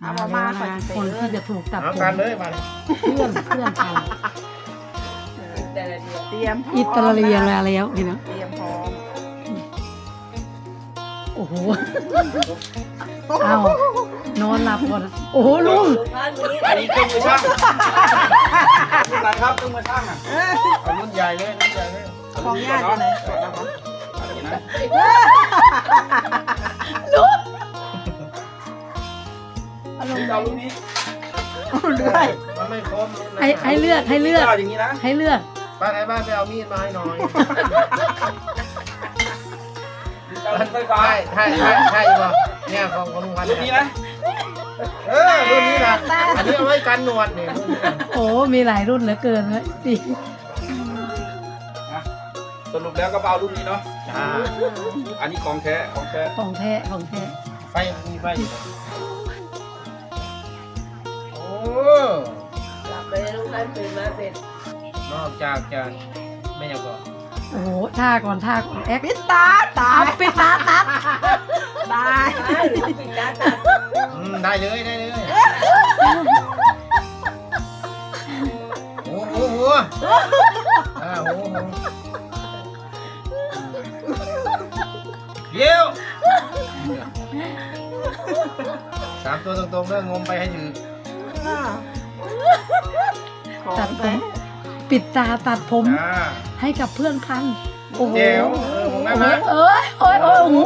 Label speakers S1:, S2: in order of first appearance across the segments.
S1: เอามาก่อนสิ
S2: คนที่จะถูกตัด
S3: เอา
S2: ผม
S3: กันเลยมาเลย
S2: เพื่อนกัน
S1: เตรียมพร้ม
S2: อิตาเลียนแล้วพี่น้อง
S1: เตรียมพร้อม
S2: โอ้โหเอานอนหลับก่อนโอ้โหลุง
S3: อันนี้เครื่องมือช่างรุ่นไหนครับเครื่องมือช่างอ่ะเอารุ่นใหญ่เลยรุ่นใหญ่เลย
S1: ของญาติอยู่ไหน
S3: เอาอย่างนี้นะ
S2: ลุง
S3: เอารุ่นนี้
S1: เรื่อย
S3: มันไม่ครบรุ่นนั้น
S2: ให้เลือก
S3: เอาอย่างนี้นะ
S2: ให้เลือก
S3: ป้าไหนบ้านไปเอามีดมาให้หน่อย
S4: ไฟฟ้า
S3: ใช่ป่ะเนี่ยของลุงพันธุ์
S4: รุ่นนี้นะ
S3: รุ่นนี้นะอันนี้เอาไว้กันหนวดเนี่ยรุ่นนี้นะ
S2: โอ้มีหลายรุ่นเหลือเกินเลยดิ
S4: สรุปแล้วก็เอารุ่นนี้เนาะ
S3: จ้า
S4: อันนี้ของแท้ของแท้
S2: ของแท้ของแท้
S3: ไฟมีไฟอยู่นะโอ้
S5: กลับไปลูกให้ตื่นมาเสร็จ
S3: นอกจากจะไม่อยากบอก
S2: โอ้โหท่าก่อนแอค
S1: ปิดตาตา
S2: เอาปิดตาตัด
S1: ตาย
S5: ได้หรือปิดตาตัด
S3: ได้เลยโอ้โหโหเดี๋ยวสามตัวตรงๆเรื่องงมไปให้ถึง
S1: ของ
S2: ตัดผ
S1: ไป
S2: มปิดตาตัดผม
S3: จ้า
S2: ให้กับเพื่อนพันโอ้โห
S3: เดี๋ยวผมนั่นนะ
S2: โอ้ยโอ้โห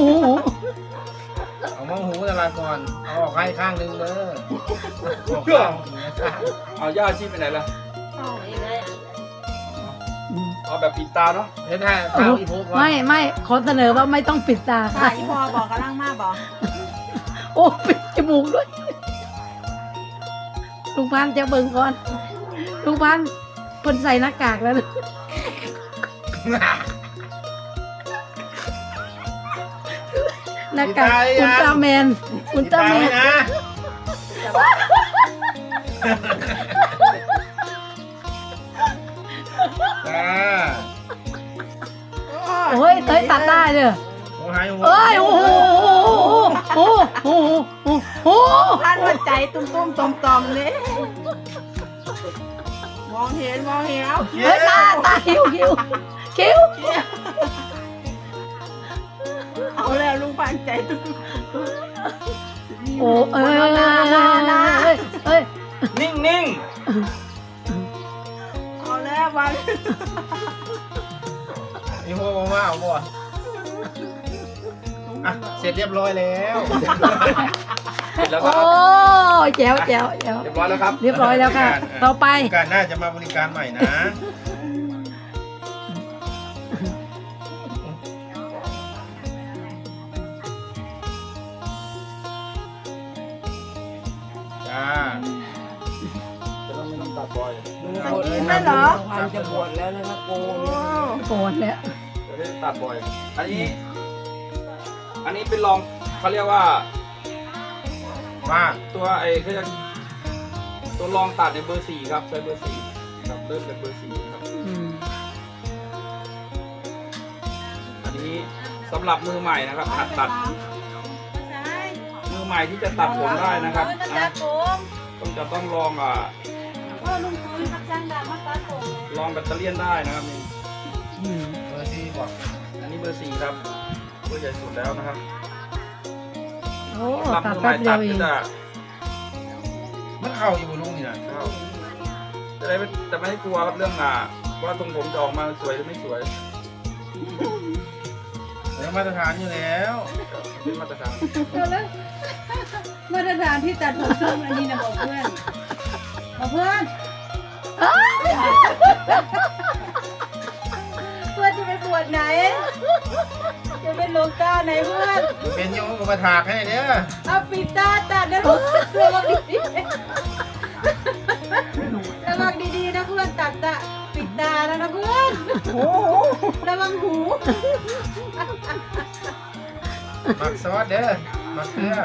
S3: เอามองหูตลาดก่อนเอาออกให้ข้างหนึ่งเลยออกข้างหนึ่งนะครับ
S4: เอาย่าชีพไปไหนล่ะ
S5: ยังไง
S4: เอาแบบปิดตาเนาะ
S3: เห็นไหมเท้าอีโพก่อน
S2: ไม่ขอเสนอว่าไม่ต้องปิดตา
S1: ค่ะ
S2: ค่ะ
S1: อีพอบอกกำลังมาบอก
S2: โอ้ปิดจมูกด้วยลุงพันธุ์จะเบิ่งก่อนลุงพันธุ์เพิ่นใส่หน้ากากแล้วนะหน้ากากอุลตร้าแมน
S3: นะจ้า
S2: โอ้ยเต้ยตัดได้เลย
S3: โอ้หายหัว
S2: เอ้ยโอ้โหโอ้โหโอ้โห
S1: ท่านหัวใจตุ้มๆตอมๆเลยมองเห็นเอา
S2: เฮ้ยตาคิ้ว
S1: เอาแล้วลุงปันใจตุ้ม
S2: โอ้เอ้ย
S4: นิ่ง
S1: เอาแล้ววัน
S3: อีโพบอกว่าเอาบ่อ่ะเสร็จเรียบร้อยแล้ว
S4: ๆเสร็จแล้วก็
S2: โอ้แจ๋ว
S4: เรียบร้อยแล้วครับ
S2: เรียบร้อยแล้วค่ะ ต่อไป
S3: การหน้าจะมาบริการใหม่นะ จ้า
S4: จะต้องไม่ต้องตัดบ่อย
S1: มันกินได้เหรอ
S5: พันจะบวชแล้วนะครับโก
S1: โอ้
S2: โกนแล้ว
S4: จะได้ตัดบ่อย อันนี้เป็นรองเขาเรียกว่า
S3: ว่า
S4: ตัวเขาจะตัวรองตัดในเบอร์ 4ครับใช้เบอร์ 4ครับเริ่มเป็นเบอร์ 4ครับ อันนี้สำหรับมือใหม่นะครับหัดตัดมือใหม่ที่จะตัดผมได้นะครับนะต้องลองลองแบตเตอรี่ได้นะครับนี่
S3: เบอร์ที่บอก
S4: อันนี้เบอร์ 4ครับเบอร์ใหญ่สุดแล้วนะครับ
S2: โอ้
S4: สำหรับ
S2: ตัด
S4: มือให
S2: แป๊
S4: ม่
S2: บเดี
S4: ตั
S2: ยวเอง
S4: ดก็จะ
S3: มันเข้าอยู่บนลุงนี่นะ
S4: เข้าจะไม่ให้กลัวครับเรื่องว่าทรงผมจะออกมาสวยหรือไม่สวย
S3: เดี๋ยวมาตรฐานอยู่แล้ว
S4: เป็นมาตรฐาน
S6: มาตรฐานที่ตัดผมส้มอันนี้นะบอกเพื่อนบอกเพื่อนเพื่อนจะไปบวชไหน จะเป็นหลวงตาไหนเพื่อน
S3: เป็นโยมกับมาถากให้เนี่ย
S6: เอาปิดตาตัดนะเพื่อนระวังดีๆระวังดีๆนะเพื่อนตัดตาปิดตาแล้วนะเพื่อน
S1: โห
S6: ระวังหู
S3: หมักซอสเด้อหมักเกลือ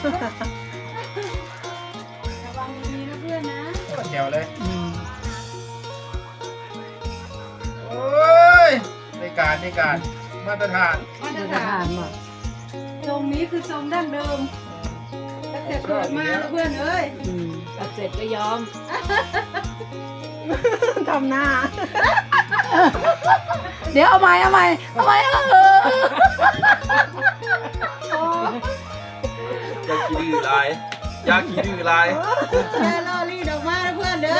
S6: ระวังดีๆนะเพื่อนนะ
S3: แจ๋วเลย โอ้ยในการมาตรฐาน
S6: มาตร
S2: จะ
S6: ฐา
S2: ทาน นว่ะ
S6: ทรงนี้คือทรงดั้งเดิม แต่แต่เกิดมาแล้วเพื่อนเอ้ย
S5: ตัดเสร็จก็ยอม
S1: ทำหน้า
S2: เดี๋ยวเอาใหม่
S4: อยากขี้ดื้อลายอยากขี้ดื้อลาย
S6: แค่ล่อรีดออกมาแล้วเพื่อนเด้อ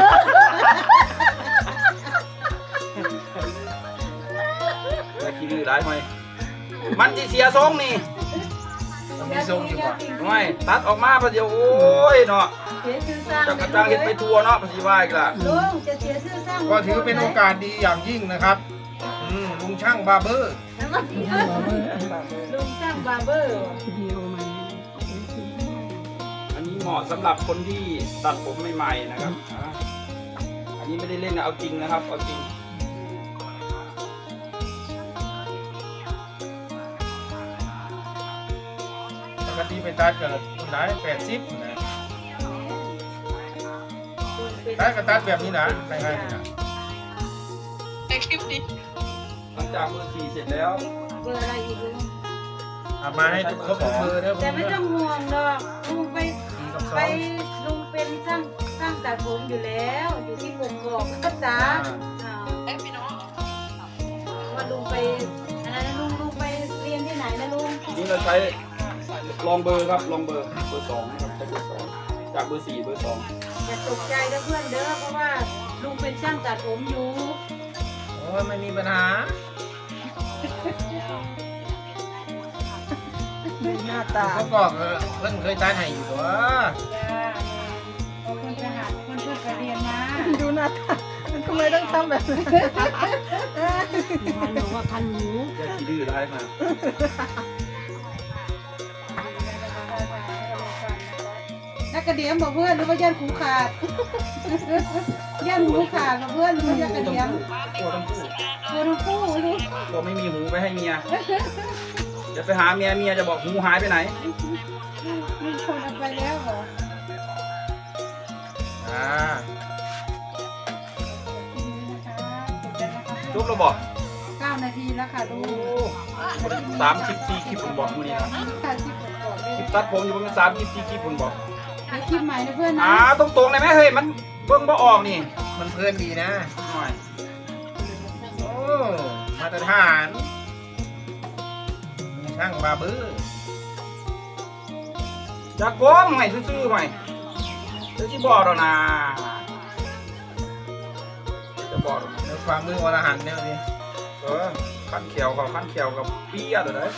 S4: อยากขี้ดื้อลายไหมมันจะเสียทรงนี่
S3: มันมีทรงอยู่ก่อน
S4: ไม่ตัดออกมาประเดี๋ยวโอ้ยเนาะ
S6: เสียชื่อสร้าง
S4: จักกระจังเห็ดไปทัวเนาะภาษีว่าอีกล่ะ
S6: ลุงจะเสียชื่อสร้าง
S3: ก็ถือเป็นโอกาสดีอย่างยิ่งนะครับลุงช่างบาร์เบอร์
S6: ลุงสร้างบาร์เบอร์
S4: อันนี้เหมาะสำหรับคนที่ตัดผมใหม่ๆนะครับอันนี้ไม่ได้เล่นนะเอาจริงนะครับเอาจริง
S3: ปกติไปตัดกับคนไหน80นะตัดก็ตัดแบบนี้นะง่ายๆนะ
S4: หลังจากเบอร์4เสร็จแล้ว
S6: เบอร์อะไรอีกลุง
S3: เอามาให้ทุกครบทุกเบอร์เด้อ
S6: แต่ไม่ต้องห่วงหรอกลุงไป
S3: 4 กับ
S6: ไปลุงเป็นช่างตัดผมอยู่แล้วอยู่ที่กกอกก็จ้าว่าลุงไปอะไรนะลุงไปเรียนที่ไหนนะลุง
S4: นี่เราใช้ลองเบอร์ครับลองเบอร์2นะครับใช้เบอร์2จากเบอร์4เบอร์2
S6: อย่าตกใจนะเพื่อนเด้อเพราะว่าลุงเป็นช่างตัดผมอยู่
S3: โอ้ยไม่มีปัญหา
S1: หน้าตา
S3: เขาบอกเพิ่นเคยตัดให้อยู่ตัว
S6: จ้าเอาคนไปหาคนเพื่อนไปเรียนมา
S1: ดูหน้าตาทำไมต้องทำแบบนี้
S5: พันหนูว่าพันหนู
S4: อยากขี้ดื้อได้มา
S6: นักกระเดียมบอกเพื่อนหรือว่าย่านหูขาด ย่านหูขาดบอกเพื่อนหรือว่าย่านกระเดียม
S4: ตัวทั้งคู่
S6: ตัวทั้งคู่ลูก
S4: ตัวไม่มีหูไปให้เมียจะไปหาเมียจะบอกหูหายไปไหน
S6: มีคนเอาไปแล้วเหรอ
S3: อ่า
S4: จบแล้วบอก
S6: 9 นาทีแล้วค่ะลูก
S4: 34คลิปผมบอกมื้อนี้นะ
S6: ค่ะคลิปก่อนเล
S4: ค
S6: ย
S4: ลิปตัดผมอยู่ประมาณ34คลิปผมบอก
S6: ให้คลิปใหม่นะเพื่อนนะ
S4: ตรงๆเลยไหมเฮ้ยมันเบิ่งบ่ออกนี่
S3: มันเพลินดีนะ
S4: หน่อย
S3: โอ้มาตรฐานลุงช่างบาร์เบอร์
S4: จากผมให้ซื่อๆใหม่เดี๋ยวสิบอกแล้วนะจะบอกแล้วนะ
S3: ในความมืออรหันต์เนี่ยนี่
S4: ขั้นเขียวกับเปี้ยเดี๋ยวได้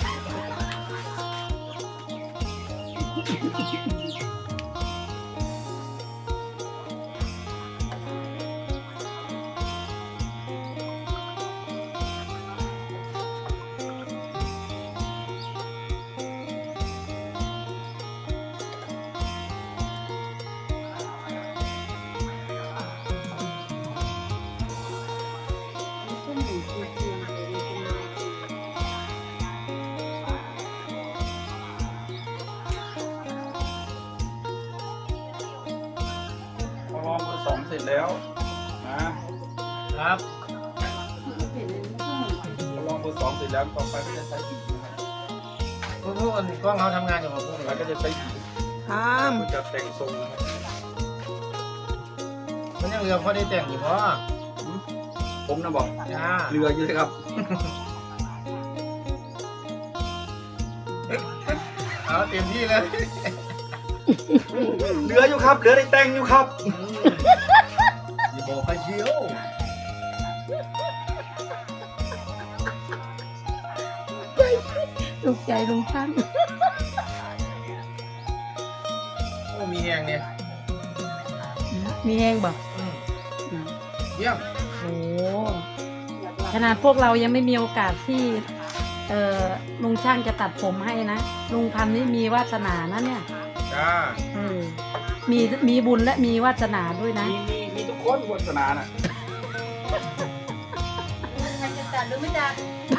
S4: พอลองเบอร์2เสร็จแล้วนะครับ พอลองเบอร์2เสร็จแล้วต่อไปก็จะใช้หีบนะครับ
S3: พวกคนกล้องเขาทำงานอยู่กับพวก
S4: แล้วก็จะใช้หีบ
S1: ทำ
S4: มันจะแต่งทรงนะครับ
S3: มันยังเหลือพอได้แต่งอยู่เพราะ
S4: ผมนะบอก
S3: จ้า
S4: เรืออยู่เลยครับ
S3: เอาเต็มที่เลย
S4: เรืออยู่ครับเรือได้แต่งอยู่ครับ
S3: อย่าบอกไปเชียว
S2: ถูกใจลุงช่าง
S3: โอ้มีแหงเนี่ย
S2: มีแห้งบอก
S3: เยี่ยม
S2: โอ้ขนาดพวกเรายังไม่มีโอกาสที่ลุงช่างจะตัดผมให้นะลุงพันธุ์นี่มีวาสนานะเนี่ย
S3: จ้า
S2: มีบุญและมีวาสนาด้วยนะ
S4: มีทุกคนวาสนาน่ะ
S6: ใครจะตัดหรือไม่ตัด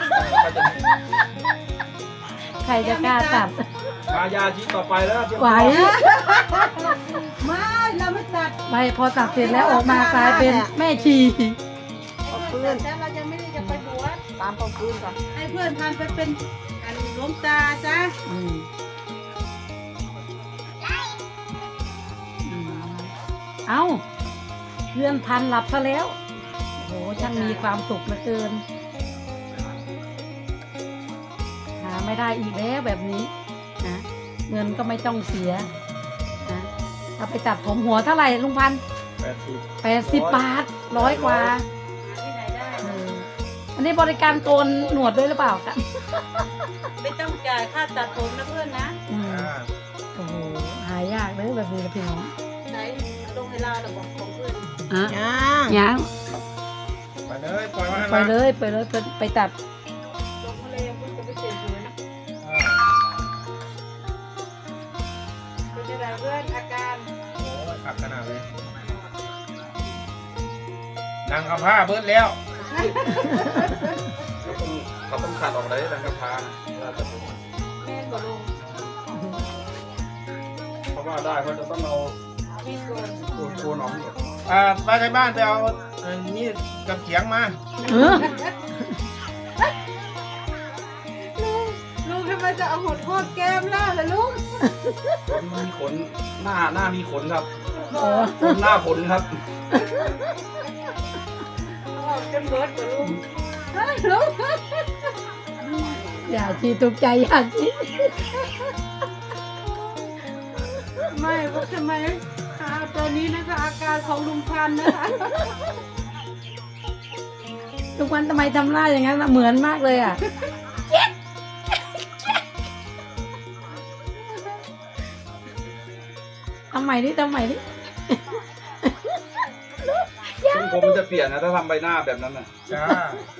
S2: ใครจะกล้าตัด
S4: มายาชีต่อไปแล้วเตรียม
S2: ไหว
S6: ไม่เราไม่ตัด
S2: ไปพอตัดเสร็จแล้วออกมากลายเป็นแม่ชี
S6: เพื่อนแต่เราจะไม่ได้จะไปบวช
S1: ตามของคืนก่อน
S6: ให้เพื่อนพันไปเป็นอันหลวงตาจ้ะ
S2: อืมเอ้าเลื่อนพันหลับซะแล้วโอ้โหช่างมีความสุขเหลือเกินหาไม่ได้อีกแล้วแบบนี้นะเงินก็ไม่ต้องเสียนะเอาไปตัดผมหัวเท่าไหร่ลุงพันธุ์ 80 บาท100 กว่า
S6: ที่ไหนได้
S2: อันนี้บริการโกนหนวดด้วยหรือเปล่าคะ
S6: ไม่ต้องจ่ายค่าตัดผมนะเพื่อนนะ
S2: โอ้โหหายากเลยแบบนี้นะพี่น้อง
S6: ไหนลงเวลาเราบอกของเพื่อน
S2: อ่ะ
S1: ย่าง
S2: ยัง
S3: ไปเลยปล่อยมาให้
S2: ไปเลยไปตัด
S6: ลงทะเลเพื่อนจะไปเสียสวยเป็นยังไงเพื่อนอาการ
S3: โอ้ยขับขนาดเลยนั่งเอาผ้าเบิดแล้ว
S4: เขาต้องขัดออกเลยดังกระพาเราจะ
S6: แม่นบ่ลง
S4: เพราะว่าได้เขาจะต้องเอา
S6: มีส่วน
S4: โคนออกหมด
S3: ไปในบ้านไปเอานี่กับเขียงมา
S2: เออ
S6: ลุงทำไมจะเอาหดโทษแก้มล่ะล่ะลุง
S4: ขนมีขนหน้ามีขนครับ
S2: โอ้
S4: ขนหน้าขนครับ
S6: ออกจนเบิดบ่ลุงลุง
S2: อย่าชีตุกใจอย่าชี
S6: ไม่ว่าทำไมตอนนี้นะคะอาการของลุงพันธุ์นะคะ
S2: ทุกวันทำไมทำหน้าอย่างนั้นล่ะเหมือนมากเลยอ่ะทำใหม่ดิ
S4: ทรงผมมันจะเปลี่ยนนะถ้าทำใบหน้าแบบนั้นน่ะ
S3: จ้า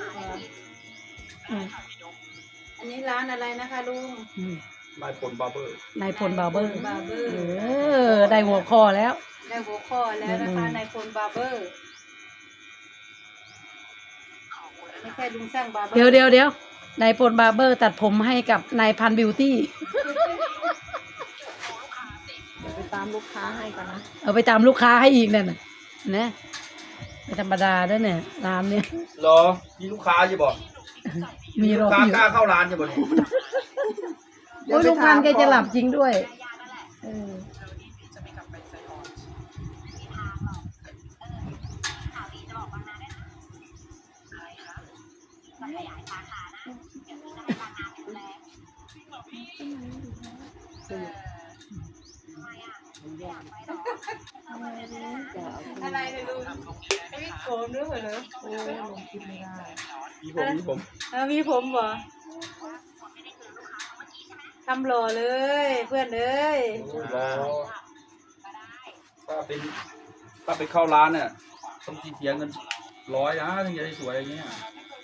S6: อันนี้ร้านอะไรนะคะลุง
S4: นายพลบาร์เบอร์
S2: นายพลบาร์เบอร์
S6: บาร์เบอร์
S2: ได้หัวคอแล้ว
S6: ได้หัวข้อแล้วนะคะนายพลบาร์เบอร์ไม่ใช่ลุงช่างบาร์เบอร์
S2: เดี๋ยวนายพลบาร์เบอร์ตัดผมให้กับนายพันบิวตี้
S1: เดี๋ยวไปตามลูกค้าให้กันนะ
S2: เอาไปตามลูกค้าให้อีกนั่นน่ะนะไม่ธรรมดาด้วยเนี่ยร้านเนี่ย
S4: เหรอมีลูกค้าอยู่บ่
S2: มีร
S4: ลู
S2: อก
S4: ค้า
S2: อยู่
S4: กล้าเข้าร้านอยู่บ่นี่
S2: โอ้ยลุงพันธุ์แกจะหลับจริงด้วยเออ
S6: อะไรเลยลุงมีผมด้วยเหรอ
S1: โอ้ลงคิดไม่ได้
S4: มีผม
S6: มีผมเหรอทำหล่อเลยเพื่อนเอ้ย
S4: รอถ้าไปเข้าร้านเนี่ยต้องเสียเงิน100นะถึงจะได้สวยอย่างเงี้ย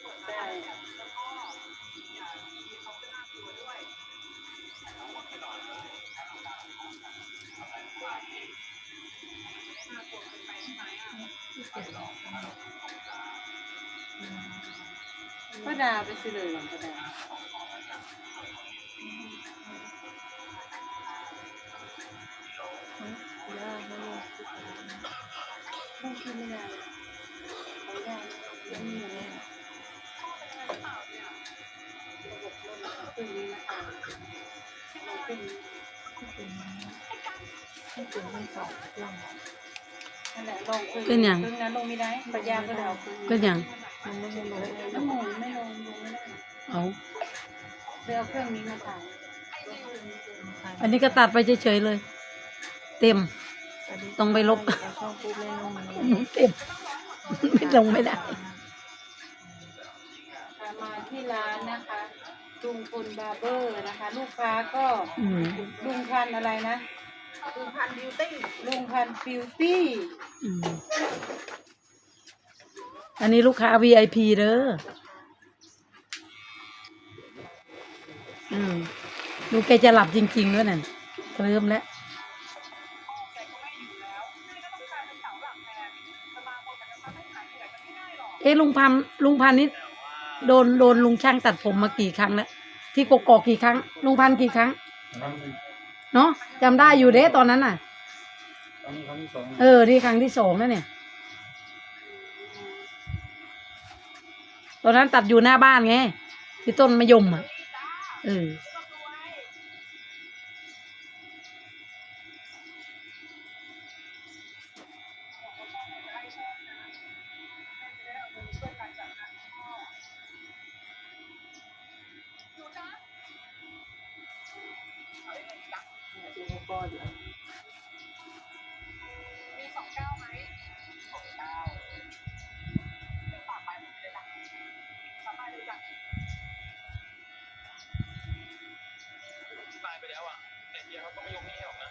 S6: ป้าดาไปซื้อเลยหรอป้าดาต้องกินไม่ได้เอาได้ยังมีอยู่เลยนั่นแหละลงคืนนั้นลงไม่ได้ปัญญาก็เดาคืน
S2: ก็อย่าง
S1: มันไม่ได้ลง
S6: น้ำหมูไม่ลงไม่ได้
S2: เอา
S6: ไปเอาเครื่องนี้มาถ่าย
S2: อันนี้ก็ตัดไปเฉยๆเลย เต็ม ต้องไปลบ
S1: ช่องปุ๊บเลยลง
S2: เต็มไม่ลงไม่ได้
S6: มาที่ร้านนะคะลุงพลบาร์เบอร์นะคะ ลูกค้าก็
S2: อืม
S6: ลุงพันธุ์อะไรนะลุงพันบิวตี้ลุงพันบิวตี้
S2: อืมอันนี้ลูกค้า VIP เด้อลูกแกจะหลับจริงๆด้วยนั่นเคลิ้มแล้ว ลุงพันธุ์นี่โดนลุงช่างตัดผมมากี่ครั้งแล้วที่กกอกกี่ครั้ง ลุงพันธุ์กี่ครั้งเนาะจำได้อยู่เด้ตอนนั้นน่ะ
S4: ครั้งที่สอง
S2: นี่ครั้งที่2แล้วเนี่ยตอนนั้นตัดอยู่หน้าบ้านไงที่ต้นมะยมอ่ะ
S1: ก้อนเหรอ
S3: ตายไปแล้วอ่ะเนี่ยเฮียเขาก็ไม่ยกให้หรอกนะ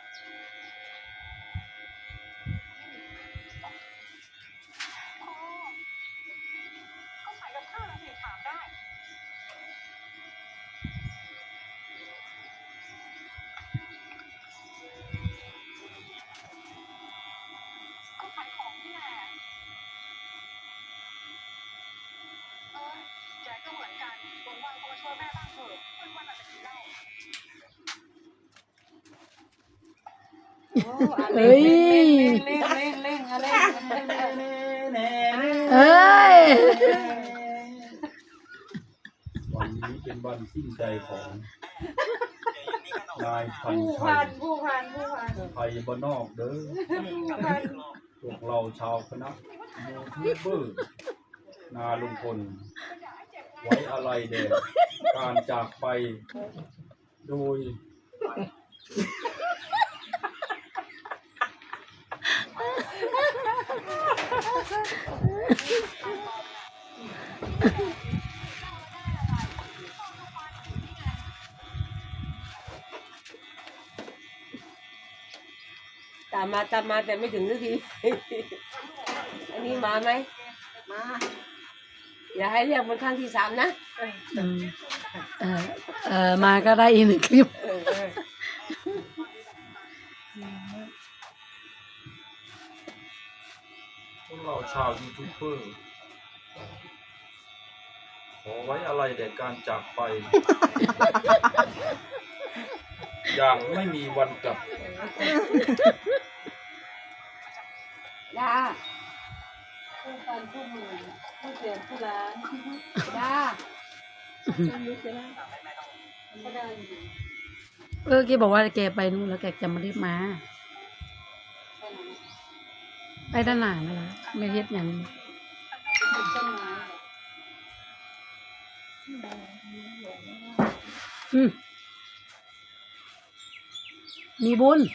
S2: เฮ้ย
S6: เร่งอะไร
S2: เอ้ย
S4: วันนี้เป็นวันสิ้นใจของนายพัน
S6: ผู้
S4: ชั
S6: พั
S4: ย
S6: นผู้พันผู้พัน
S4: ไทยบ้านนอกเด้อพวกเราชาวคณะยูทูบเบอร์นาลุงพลไว้อะไรแด่การจากไปโดย
S5: ตามมาแต่ไม่ถึงสักที อันนี้มาไหม
S1: มา
S5: อย่าให้เรียกมันครั้งที่ 3นะ
S2: อืมมาก็ได้อีก1 คลิป
S4: พวกเราชาวยูทูบเบอร์ขอไว้อะไรแด่การจากไป อย่างไม่มีวันกลับ
S5: ดา
S6: ผู้พันผู้มือผู้เสียนผู้ล้าง
S5: ดา
S6: ก็ได้อยู่
S2: แกบอกว่าแกไปนู่นแล้วแกจะมารีบมา ไปด้านหน้านั่นแหละไม่เฮ็ดอย่างนี้
S6: เป็นต้นไม้
S2: อืมมีบุญ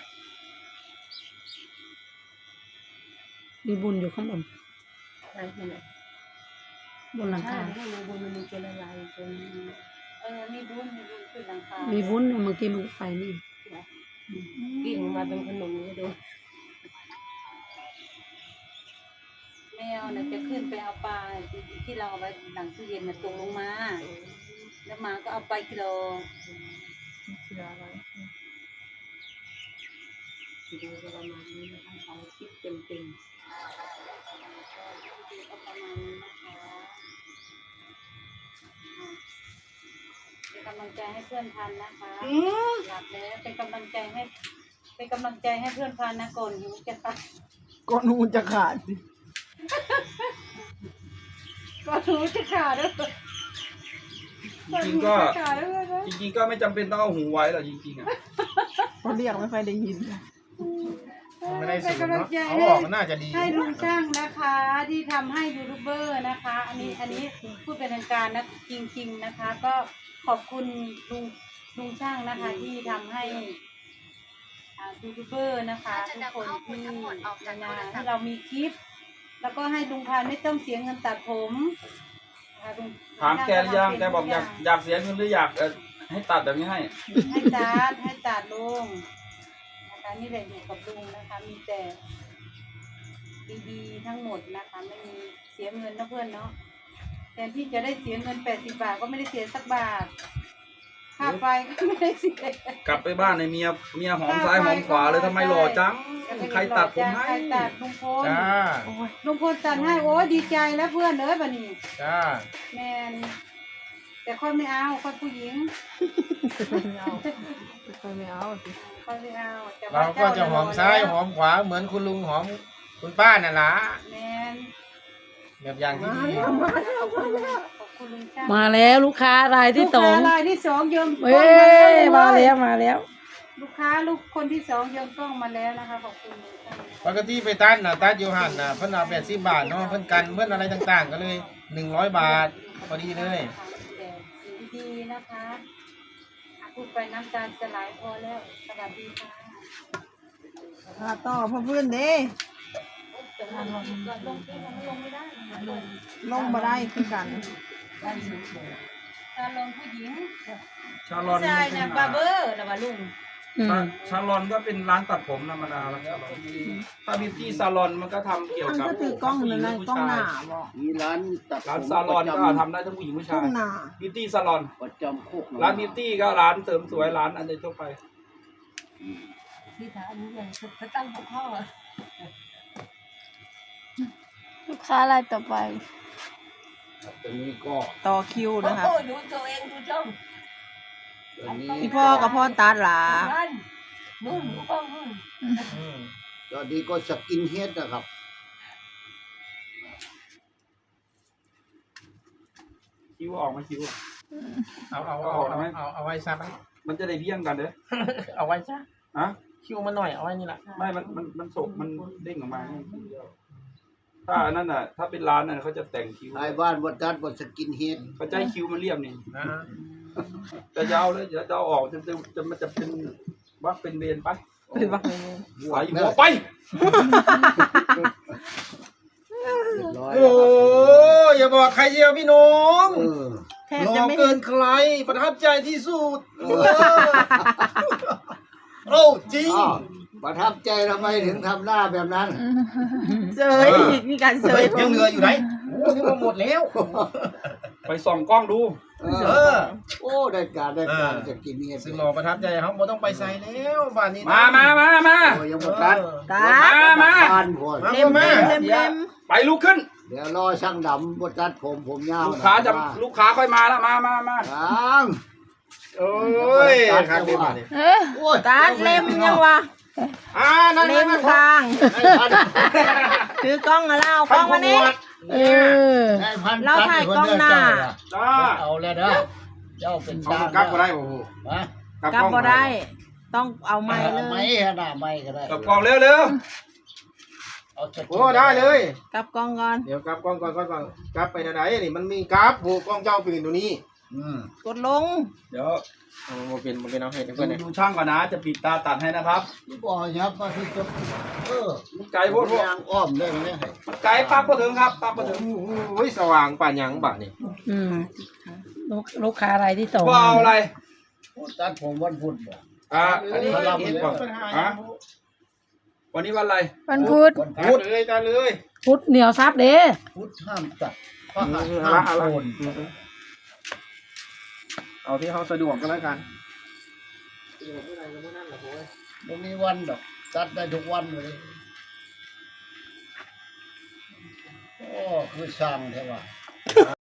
S2: มีบุญอยู่ข้างบน
S5: ไหนไหน
S2: บนหลัง
S5: ใช่
S2: คา
S5: ไม่รู้บนมันมีเจลายตรง
S6: มีบุญขึ้นหลังคา
S2: มีบุญเมื่อกี้มันไปนี่
S5: กิ่งมาเป็นขนมนี่ดู
S6: แมวเนี่ยจะขึ้นไปเอาปลาที่เราเอาไว้หลังตู้เย็นน่ะตกลงมา แล้วหมาก็เอาไปกิโล
S1: เสืออะไร
S5: ดูประมาณนี้นะคะเอาคลิปเต็ม
S6: ก็ประมาณนี้นะคะเป็นกำลังใจให้เพื่อนพันนะคะหลับแล้วเป็นกำลังใจให้เพื่อนพันนะก่อนหิวจะตาย
S1: ก้อนหูจะขาดสิ
S6: ก่อนหิวจะขาดแล้ว
S4: จริงๆก็
S6: ขาดแล้วนะ
S4: จริงๆก็ไม่จำเป็นต้องเอาหูไว้หรอกจริงๆอ่ะ
S1: เขาเรียกไม่ค่อยได้ยิน
S3: ไม่ได้สูง
S6: เป็นกำลัง
S3: เนาะ
S6: ใจ
S3: เอาออกมันน่าจะดี
S6: ให้ลุงช่างนะคะที่ทำให้ยูทูบเบอร์นะคะ อันนี้พูดเป็นทางการนะจริง ๆนะคะ ก็ขอบคุณลุงช่างนะคะ ที่ทำให้ยูทูบเบอร์นะคะทุกคนที่นาให้เรามีคลิป แล้วก็ให้ลุงพันธุ์ไม่ต้องเสียเงินตัดผมนะคะลุง
S4: ถามแกหรือยังแกบอกอยากเสียเงินหรืออยากให้ตัดแบบนี้ให้
S6: ให้ตัดลุงนะคะนี่แหละอยู่กับลุงนะคะ มีแต่ดีๆทั้งหมดนะคะ ไม่มีเสียเงินนะเพื่อนเนาะแทนที่จะได้เสียเงิน80 บาทก็ไม่ได้เสียสักบาทค่าไฟก็ไม่ได้เสีย
S4: กลับไปบ้านในเมียหอมซ้ายหอมขวาเลยทำไมหล่อจังใครตัดผมให้
S6: ใครตัดลุงพล
S3: จ้า
S6: ลุงพลตัดให้โอ้ยดีใจแล้วเพื่อนเอ้ยบัดนี้
S3: จ้า
S6: แมนแต่ค่อยไม่เอาค่อยผู้หญิง
S1: ไม่เอาค่อยไม่เอาสิ
S6: ค่อยไม่เอาแต่ว่
S3: เราก็จะหอมซ้ายหอมขวาเหมือนคุณลุงหอมคุณป้าน่ะล่ะ
S6: แมน
S3: แบบอย่างที่ดี
S6: ขอบคุณลุงช่าง
S2: มาแล้วลูกค้ารายที่สอง
S6: ลูกค้ารายที่สองโยม
S2: เอ้ยมาแล้ว
S6: ลูกค้าคนที่สองโยมกล้องมาแล้วนะคะขอบคุณลุงช่างนะคะ
S3: ปกติไปตัดน่ะตัดอยู่หันน่ะเพิ่นเอา80 บาทเนาะเพิ่นกันเพิ่นอะไรต่างๆ ก็เลย100 บาทพอดีเลย
S6: แต่สิ่งดีๆนะคะพูดไปน้ำตาจะไหลพอแล้วสวัสดีค่ะ
S1: ต่อพ่อพื้นเด้ลงมาได้คือกัน
S6: ตาลงผู้หญิง
S3: ชาลอน
S6: ชายเนี่ยบาร์เบอร์นะว่าลุง
S3: ชาลอนก็เป็นร้านตัดผมธรรมดาแล้วชาลอนถ้าบิวตี้ซาลอนมันก็ทำเกี่ยว
S1: มัน
S3: กับ
S1: ก็ถือกล้องนั่นนะกล้องหน้าบอก
S4: มีร้านตัด
S3: ร้านซาลอนก็ทำได้ทั้งผู้หญิงผู้
S1: กล้
S3: ชา
S1: อย งหน้า
S3: บิวตี้ซาลอน
S4: ประจำโคก
S3: ร้านบิวตี้ก็ร้านเสริมสวยร้านอันเดอร์ทั่วไป
S5: ที่ถามนี้เลยจะตั้งหัวข้อ
S7: ลูกค้ารายต่อไป
S4: ตรงนี้ก็
S1: ต่อคิวนะคะ
S5: โอ้ดูตัวเองดูจ้อง
S4: ตรงนี้
S1: พี่พ่อกับพ่อตัดหลา
S5: นั่นนู่นดูกล้องนู่น
S4: ตอนนี้ก็สกินเฮดนะครับ
S3: คิ้วออกไหมคิ้ว
S8: เอาไว้ซะไหม
S3: มันจะได้เพี้ยงกันเด้อ
S8: เอาไว้ซะ
S3: ฮะ
S8: คิวมาหน่อยเอาไว้นี่แหละ
S3: ไม่มันสกมันเด้งออกมาถ้าอันนั้นน่ะถ้าเป็นร้านน่ะเขาจะแต่งคิ้ว
S4: ไอ้บ้านวัดตัดวัดสกินเฮด
S3: เขาจะให้คิ้วมันเรียบนี่
S8: นะฮะ
S3: จะยาวเลยจะเอาออกมันจะเป็นวักเป็นเวรไป
S1: เป็นว่าไง
S3: ใส่หัวไป
S4: เรียบร้อย
S8: โอ้อย่าบอกใครเดียวพี่น้อง
S1: แทบ
S8: ร
S1: จะ
S8: อ
S1: ไม่
S8: เกิ
S1: เห็น
S8: นใครประทับใจที่สุดโอ้จริง
S4: อ้าวประทับใจทำไมถึงทำหน้าแบบนั้น
S1: เสยมีการเส
S8: เฮ้
S1: ย
S8: ยยังเหลืออยู่ไหนโอ้นี่มาหมดแล้ว
S3: ไปส่องกล้องดู
S8: เออ
S4: โอ้ได้การสกินเฮด
S8: ซึ่งรอประทับใจเขาบ่ต้องไปใส่แล้วบ้านนี้นะ
S3: มา
S4: โอ้ยังวัดตัด
S1: ตา
S3: มา
S4: ทานพวด
S1: เล็มเล็ม
S3: ไปลุกขึ้น
S4: เดี๋ยวรอช่างดำวัดตัดผมยาว
S3: ลูกค้าค่อยมาแล้วมา
S4: ช่าง
S8: โอ้ยครับเดี๋ยวมาเนี่ย
S4: โอ้ย
S1: ตาเล็มยังวะ
S8: นั่น
S1: เล็มทาง
S4: ได้พัน
S1: ถือกล้องมาแล้วกล้องมานี่
S4: ได้พัน
S1: เราถ่ายกล้องหน้า
S3: จ้า
S4: เอาแล้วเด้อเจ้าเป็น
S3: เขา
S4: ช่าง
S3: กลับก็ได้โอ้โห
S4: ฮะ
S1: กลับบ่ได้ ต้องเอาไม้เล
S4: ไม่
S1: ย
S4: ฮะหน้าไม่ก็ได้
S3: กลับกล่องเร็ว
S4: เอาสกิน
S8: โอ้ได้เลย
S1: กลับกล้องก่อน
S8: เดี๋ยวกลับกล้องก่อนกลับไปไหนนี่มันมีกราฟโหกล้องเจ้าปืนตัวนี้
S1: กดลง
S3: ๆเดี๋ยว
S8: มันเป็นเอาให้เพื่อนเนี่ย
S3: ดูช่างก่อนนะจะปิดตาตัดให้นะครับ
S4: ที่บอกยับมาที่จะ
S3: มันไกลโพด
S4: ยางอ้อมได้ไหม
S3: มันไกลปักก็ถึงครับปักก็ถึง
S8: โอ้ยสว่างป่านยังบ่านี่
S2: ลูกค้ารายที่สอง
S3: ว่าเอาอะไร
S4: ตัดผมวันพุธบ่
S3: อันนี้เห็นก่อนวันนี้วันอะไร
S7: วันพุธ
S4: วัน
S8: พูดเลยตาเลย
S2: พุทธเหนียวซับเด้
S4: พุธห้ามตัดเพราะห้ามโอน
S8: เอาที่เขาสะดวกก็แล้วกัน
S4: ไม่มีวันดอกตัดได้ทุกวันเลยโอ้คือช่างใช่ป่ะ